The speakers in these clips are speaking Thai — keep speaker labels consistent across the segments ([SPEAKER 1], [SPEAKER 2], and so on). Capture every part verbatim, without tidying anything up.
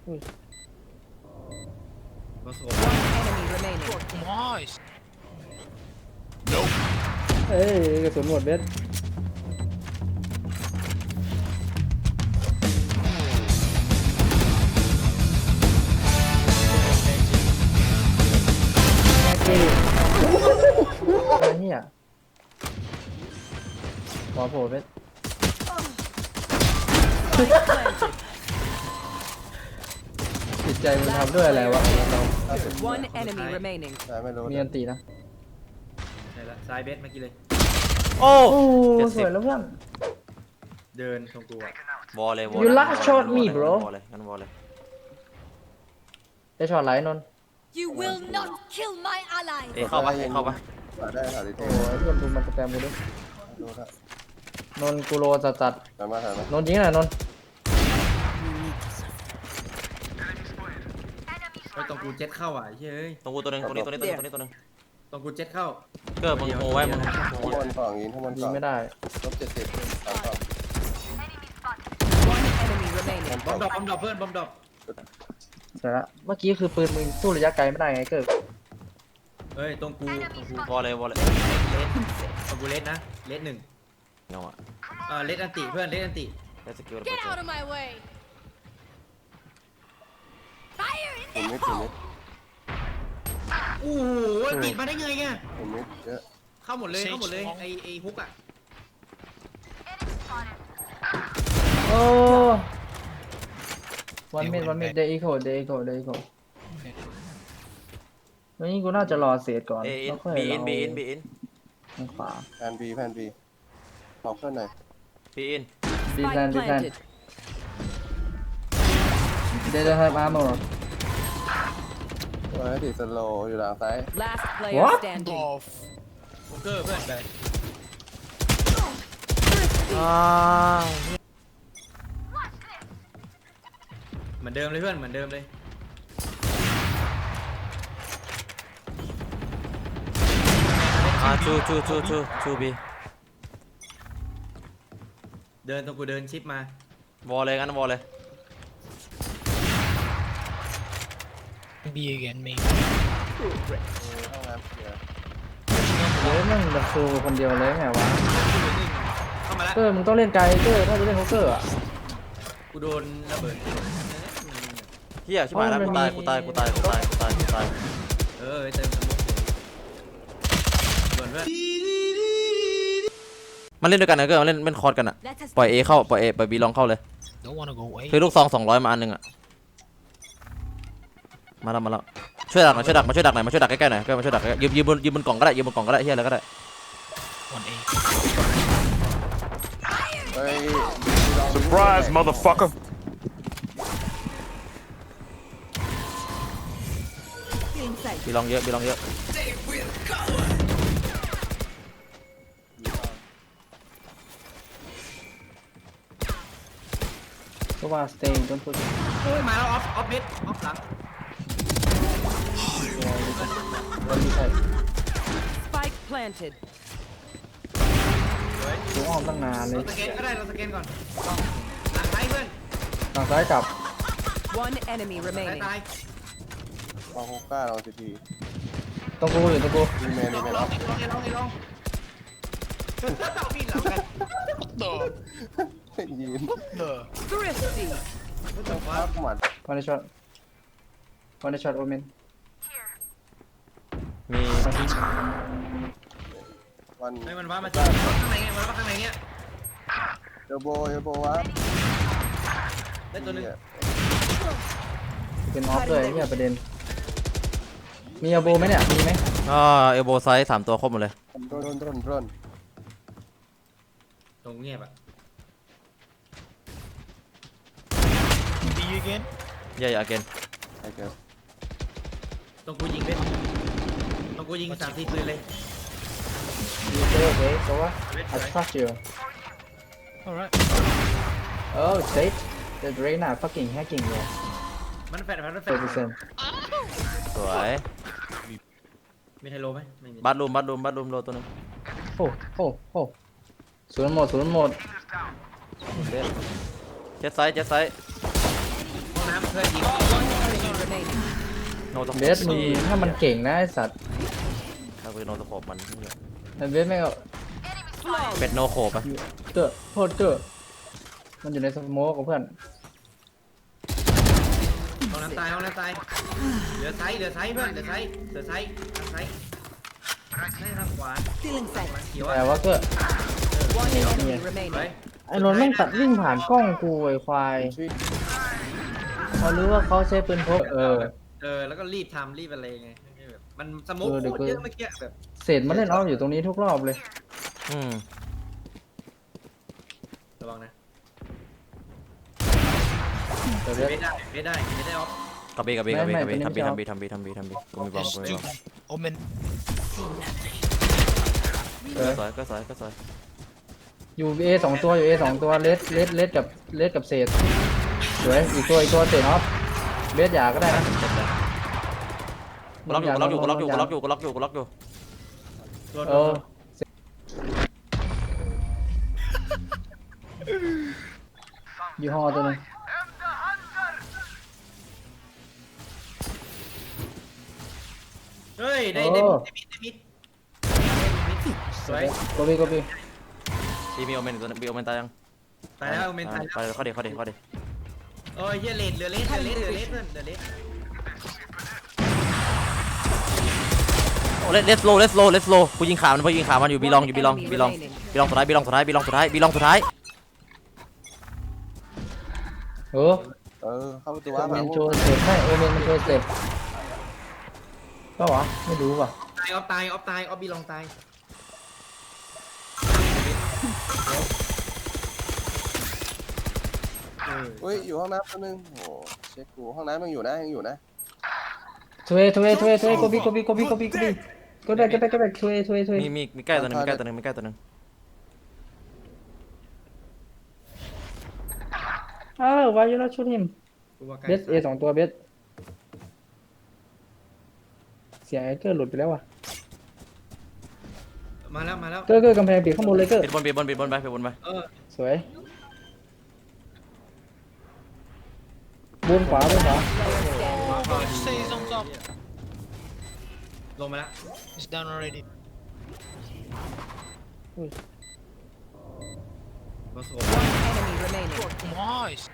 [SPEAKER 1] มาโซ่
[SPEAKER 2] One enemy remaining.
[SPEAKER 3] Nice.
[SPEAKER 4] เอ้ยกระสุนหมดเบ็ดแม็กกี้ไอ้เหี้ยขอโผล่เบ็ดจิตใจมันทำด้วยอะไรวะเรา
[SPEAKER 2] One enemy remaining.
[SPEAKER 5] แต่ไม่รู้
[SPEAKER 4] มีอันตีนะ
[SPEAKER 1] ใช่ละซ้ายเบสเมื่อกี้เลย
[SPEAKER 6] โอ้
[SPEAKER 4] โอ้
[SPEAKER 6] เจ็ด
[SPEAKER 4] ส
[SPEAKER 6] สิบ
[SPEAKER 4] วยแล้วเพื่อน
[SPEAKER 1] เดินตรงกูอะ
[SPEAKER 6] วอลเลยวอล
[SPEAKER 4] You last shot me bro
[SPEAKER 6] วอลเลยงั้นวอลเลย
[SPEAKER 4] ได้ช็อตไลท์นนท์
[SPEAKER 7] You will not kill my ally.
[SPEAKER 6] เอเข้าปะเอเข้าปะ
[SPEAKER 5] หาได้หาดิโท
[SPEAKER 4] โอ้ยเพื่อนดูมันสแกมกูดิ
[SPEAKER 5] ดูครับ
[SPEAKER 4] นนท์กูโรจัดจัด
[SPEAKER 5] ถามมาถามมาน
[SPEAKER 4] นท์ยิงหน่อยนนท์
[SPEAKER 1] เฮ้ยตรงกูเจ็ตเข้าอ่ะเฮ้ย
[SPEAKER 6] ตรงกูตัวหนึงตรงนี้ตัวนี้ตัวนี้ตัวนี้ตัวหนึง
[SPEAKER 1] ตรงกูเจ็ตเข้า
[SPEAKER 6] เกิดมึงโหไว้มึง
[SPEAKER 5] ข้างบนสองยิงข้างบน
[SPEAKER 4] ยิ
[SPEAKER 5] ส
[SPEAKER 4] ง
[SPEAKER 5] อง
[SPEAKER 4] ไม่ได้
[SPEAKER 5] ลบเจ็ดสิบสามสอง
[SPEAKER 2] One enemy remaining.
[SPEAKER 1] บอมดรอปบอมดรอปเพื่อนบอมดรอป
[SPEAKER 4] เสร็จละเมื่อกี้คือปืนมึงสู้ระยะไกลไม่ได้ไงเกิด
[SPEAKER 1] เฮ้ยตรงกูตรงกู
[SPEAKER 6] วอลเลยวอลเลย
[SPEAKER 1] เลสตรงกูเลสนะเลสหนึ่ง
[SPEAKER 6] เงาอะ
[SPEAKER 1] เออเลสอันติเพื่อนเลสอันติ
[SPEAKER 6] ได้สกิล
[SPEAKER 7] Get out of my way. Fire in
[SPEAKER 5] ผมมิ
[SPEAKER 7] the
[SPEAKER 5] ดผมมิ
[SPEAKER 7] hole.
[SPEAKER 5] ด
[SPEAKER 1] โอ้โหติดมาได้ไงเนี่ย
[SPEAKER 5] ผมมิดเยอะ
[SPEAKER 1] เข้าหมดเลยเข้าหมดเลยไอไอฮุกอ่ะ
[SPEAKER 4] โอ้วันเมดวันเมดเดย์อีโคเดย์อีโคเดย์อีโควันนี้กูน่าจะรอเซตก่อน
[SPEAKER 6] เออิน
[SPEAKER 4] แล้วค่อย
[SPEAKER 6] บีอิ
[SPEAKER 4] เรา
[SPEAKER 6] นบีอินบีอิน
[SPEAKER 4] ทางขวา
[SPEAKER 5] แพนบีแพนบีขอเพื่อนหน่อย
[SPEAKER 6] บีอิน
[SPEAKER 4] ดีแพน
[SPEAKER 2] Spike
[SPEAKER 4] ดีแพน
[SPEAKER 2] planted.
[SPEAKER 4] เดย์จะให้มาหมด
[SPEAKER 5] ตัวนั้นติดสโลอยู่หลังซ้าย
[SPEAKER 2] Last player
[SPEAKER 4] What?
[SPEAKER 2] standing.
[SPEAKER 3] Off.
[SPEAKER 1] โอเกอร์เพื่อนไป
[SPEAKER 6] อ้าว
[SPEAKER 1] เหมือนเดิมเลยเพื่อนเหมือนเดิมเลย
[SPEAKER 6] อ่าชูชูชูชูชูบี
[SPEAKER 1] เดินตรงกูเดินชิปมาว
[SPEAKER 6] อลเลยงั้นวอลเลย
[SPEAKER 3] B again, maybe.
[SPEAKER 5] ห้องน้ำเสีย
[SPEAKER 4] เฮ้ยนั่งดับซูคนเดียวเลยไงวะ
[SPEAKER 1] เข้ามาแล้ว
[SPEAKER 4] เกอร์มึงต้องเล่นไกลเกอร์ถ้าจะเล่นโฮกเกอร์อ่ะ
[SPEAKER 1] กูโดนระเบิด
[SPEAKER 6] เฮียชิบหายแล้ว
[SPEAKER 4] โอ้
[SPEAKER 6] กู
[SPEAKER 4] ยมัน
[SPEAKER 6] ตาย
[SPEAKER 4] มี
[SPEAKER 6] กูตายกูตายกูตายกูตายกูตาย
[SPEAKER 1] เออเติมสมุกส่วนเพื่อน
[SPEAKER 6] มันเล่นด้วยกันนะเกิร์มันเล่นเล่นคอร์ดกันอะ
[SPEAKER 7] Let us
[SPEAKER 6] ปล่อยเอเข้าปล่อยเอปล่อยบีลองเข้าเลย
[SPEAKER 3] Don't wanna go away.
[SPEAKER 6] คือลูกซองสองร้อยมาอันหนึงอะมาแล้วมาแล้วช่วยดักหน่อยช่วยดักมาช่วยดักหน่อยมาช่วยดักใกล้ๆหน่อยเกิร์มาช่วยดักใกล้ๆยืมยืมบนยืมบนกล่องก็ได้ยืมบนกล่องก็ได้เฮียอะไรก็ได้
[SPEAKER 3] One A.
[SPEAKER 5] เฮ้ย
[SPEAKER 8] Surprise, motherfucker.
[SPEAKER 7] inside.
[SPEAKER 6] บีลองเยอะบีลองเยอะ
[SPEAKER 4] ก็ว่า stay don't put
[SPEAKER 1] โอ้ยมาแล้วออฟออฟมิดออฟหลัง
[SPEAKER 4] วันนี้ใช่
[SPEAKER 2] Spike planted.
[SPEAKER 4] กูอ้อมตั้งนานเล
[SPEAKER 1] เรา
[SPEAKER 4] ย
[SPEAKER 1] สแกนก็ได้เราสแกนก่อนหลังซ้ายเพื่อน
[SPEAKER 4] ทางซ้ายกลับ
[SPEAKER 2] One enemy
[SPEAKER 1] ซ้าย
[SPEAKER 2] remaining.
[SPEAKER 1] ตาย
[SPEAKER 5] ลองฮุกก้าลองซีที
[SPEAKER 4] ตรงกูอยู่ตรงกู
[SPEAKER 5] ดีเมน
[SPEAKER 1] ล
[SPEAKER 5] ดี
[SPEAKER 1] อง
[SPEAKER 5] เมน
[SPEAKER 1] ล
[SPEAKER 5] อ
[SPEAKER 1] อ
[SPEAKER 5] อง ฟ
[SPEAKER 1] ลองลองลองเอามีดหลังกัน
[SPEAKER 5] ยืน
[SPEAKER 3] The.
[SPEAKER 2] Thrifty.
[SPEAKER 5] ภาพหมัด
[SPEAKER 4] วันนี้ช็อตวันนี้ช็อตโอเมน
[SPEAKER 6] มี
[SPEAKER 5] วัน
[SPEAKER 1] ไอ้มันว่ามาจากข้างในไงมันว่าข้างในเนี้ย
[SPEAKER 5] เอลโบเอลโบวะ
[SPEAKER 1] ได้ตัวนึง
[SPEAKER 4] เป็นออฟเลยเนี่ยประเด็นมีอาโบไหมเนี่ยมีไหม
[SPEAKER 6] อ่าเอลโบไซส์สามตัวครบหมดเลย
[SPEAKER 5] โดนโดนโดนโดน
[SPEAKER 1] ตรงเงียบอ่ะ
[SPEAKER 3] B again.
[SPEAKER 6] เย่าอย่าเกน
[SPEAKER 5] ไอ้เกิร์
[SPEAKER 1] ตรงกูยิงเบ็ดตรงกูยิงสามสี่ปืนเลย
[SPEAKER 4] มีเจอโอเคเพราะว่า I trust you
[SPEAKER 3] Alright.
[SPEAKER 4] oh state the Reyna fucking hacking เลย
[SPEAKER 1] มันแฟดมันแฟ
[SPEAKER 4] เปอ
[SPEAKER 1] ด
[SPEAKER 4] ร์เซ็นต์
[SPEAKER 6] สวย
[SPEAKER 1] มีไทโลไหมไม่มี
[SPEAKER 6] บัตรูมบัตรูมบัตรูมโลตัวหนึง
[SPEAKER 4] โอ้โอ้โอ้ศูนย์หมดศูนย์หมด
[SPEAKER 6] เจ็ดไซส์เจ็ดไซส์
[SPEAKER 1] ห้องน้ำเพื่อนยิง
[SPEAKER 2] One enemy remaining.
[SPEAKER 6] โนตะโข
[SPEAKER 4] เบสมึงถ้ามันเก่งนะไอสัตว์
[SPEAKER 6] ถ้ากูจะโนตะโขบมัน
[SPEAKER 4] ไอเบสไม่เอา
[SPEAKER 6] เป็ดโนโขบอะ
[SPEAKER 4] เกอโทษเกอมันอยู่ในสโมกกับเพื่อน
[SPEAKER 1] ห้องน้ำตายห้องน้ำตายเหลือไซส์เหลือไซส์เพื่อนเหลือไซส์เหลือไซส์ทางไซส์ให้ทางขวา
[SPEAKER 2] Feeling sight.
[SPEAKER 1] เขียว
[SPEAKER 4] แต่
[SPEAKER 1] อ่ะ
[SPEAKER 4] ว่าเกอ
[SPEAKER 2] One enemy
[SPEAKER 1] ไป
[SPEAKER 2] remaining.
[SPEAKER 4] ไอ้นนท์แม่งตัดวิ่งผ่านกล้องกูไอ้ควาย
[SPEAKER 5] ชื่อ
[SPEAKER 4] เขารู้ว่าเขาใช้ปืนพกเออ
[SPEAKER 1] เออแล้วก็รีบทำรีบอะไรไงแบบมันสโมุก
[SPEAKER 4] เออเดี๋ยว
[SPEAKER 1] โคตรเยอะเมื่อกี้แบบ
[SPEAKER 4] เศษมาเล่นออฟอยู่ตรงนี้ทุกรอบเลย
[SPEAKER 6] อืม
[SPEAKER 1] ระวังนะ
[SPEAKER 4] แต่เบส
[SPEAKER 1] ไม่ได้ไม่ได้ไม่ได้ออฟ
[SPEAKER 6] กระบี่กระบี่กระบี่
[SPEAKER 4] ไม่
[SPEAKER 6] กระบี่
[SPEAKER 4] ไม่
[SPEAKER 6] ทำบี
[SPEAKER 4] ตัวนี้
[SPEAKER 6] ทำบีทำบีทำบีทำบีกูมีบอม
[SPEAKER 3] There's
[SPEAKER 6] กูมี
[SPEAKER 3] two
[SPEAKER 6] บอม
[SPEAKER 3] omen.
[SPEAKER 4] เออ
[SPEAKER 6] ก็สวยก็สวยก็สวย
[SPEAKER 4] อยู่เอสองตัวอยู่เอสองตัวเลสเลสเลสกับเลสกับเศษสวยอีกตัวอีกตัวเศษออฟเบสหยาก็ได้นะ
[SPEAKER 6] เจ็บเลยกูล็อกอยู่กูล็อกอยู่กูล็อกอยู่กูล็อกอยู่กูล็อกอยู่กูล็อกอยู่
[SPEAKER 1] โดน
[SPEAKER 4] เออยี่ห้อตัวนึง
[SPEAKER 1] เฮ้ยได้ได้มิดได้มิดได้มิดสวย
[SPEAKER 4] โกบีโกบี
[SPEAKER 6] ทีมีโอเมนตัวมีโอเมนตายยัง
[SPEAKER 1] ตายแล้วเมนตาย
[SPEAKER 6] ไป
[SPEAKER 1] แล้ว
[SPEAKER 6] เข้าเดี๋ยวเข้าเดี๋ยวเข้าเดี๋ยว
[SPEAKER 1] โอ้ยเฮียเลดเหลือเลสเหลือเลสเหลือเลสเพื่อนเหลือเลส
[SPEAKER 6] โอ้เลสเลสโลเลสโลเลสโลกูยิงขามันกูยิงขามันอยู่บีลองอยู่บีลองบีลองบีลองสุดท้ายบีลองสุดท้ายบีลองสุดท้ายบีลองสุดท้าย
[SPEAKER 4] เออ
[SPEAKER 5] เออเข้าประตู
[SPEAKER 4] โอ
[SPEAKER 5] ว่า
[SPEAKER 4] เม
[SPEAKER 5] มาน
[SPEAKER 4] โชว์เสร็จให้โอเมนมันโชว์เสร็จก็วะไม่รู้ว่ะ
[SPEAKER 1] ตายออฟตายออฟตายออฟบีลองตาย
[SPEAKER 5] เฮ้ยอยู่ห้องน้ำตัวนึงโอ้เช็คกูห้องน้ำยังอยู่นะยังอยู่นะ
[SPEAKER 4] ทเวทเวทเวทเวโกบีโกบีโกบีโกบีโกบีก็ได้ก็ได้ก็ได้ทเวทเวทเว
[SPEAKER 6] มีมีมีใกล้ตัวนึงมีใกล้ตัวนึงมีใกล้ตัวนึง
[SPEAKER 4] อ้าววายยูน่าชูทิม
[SPEAKER 1] กูว่าใกล้
[SPEAKER 4] เบสเอสองตัวเบสเสียงไอเกอร์หลุดไปแล้วว่ะ
[SPEAKER 1] มาแล้วมาแล้ว
[SPEAKER 4] เกอร์เกอร์กำแพงปิดข้างบนเลยเกอร์
[SPEAKER 6] ปิดบนปิดบนปิดบนไปปิดบนไป
[SPEAKER 1] เออ
[SPEAKER 4] สวยบนขวาบนขวา
[SPEAKER 3] Say he's on top.
[SPEAKER 1] ลงมาแล้ว
[SPEAKER 3] He's down already.
[SPEAKER 1] มาโซ่
[SPEAKER 2] One enemy remaining.
[SPEAKER 3] Nice.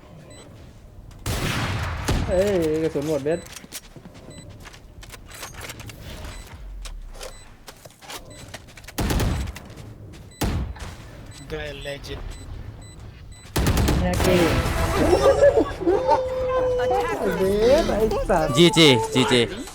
[SPEAKER 4] เอ้ยกระสุนหมดเบส
[SPEAKER 3] Guy a legend.
[SPEAKER 4] แฮกกี้
[SPEAKER 2] Attacker.
[SPEAKER 4] เบสไอ้สัตว์
[SPEAKER 6] จีจีจีจี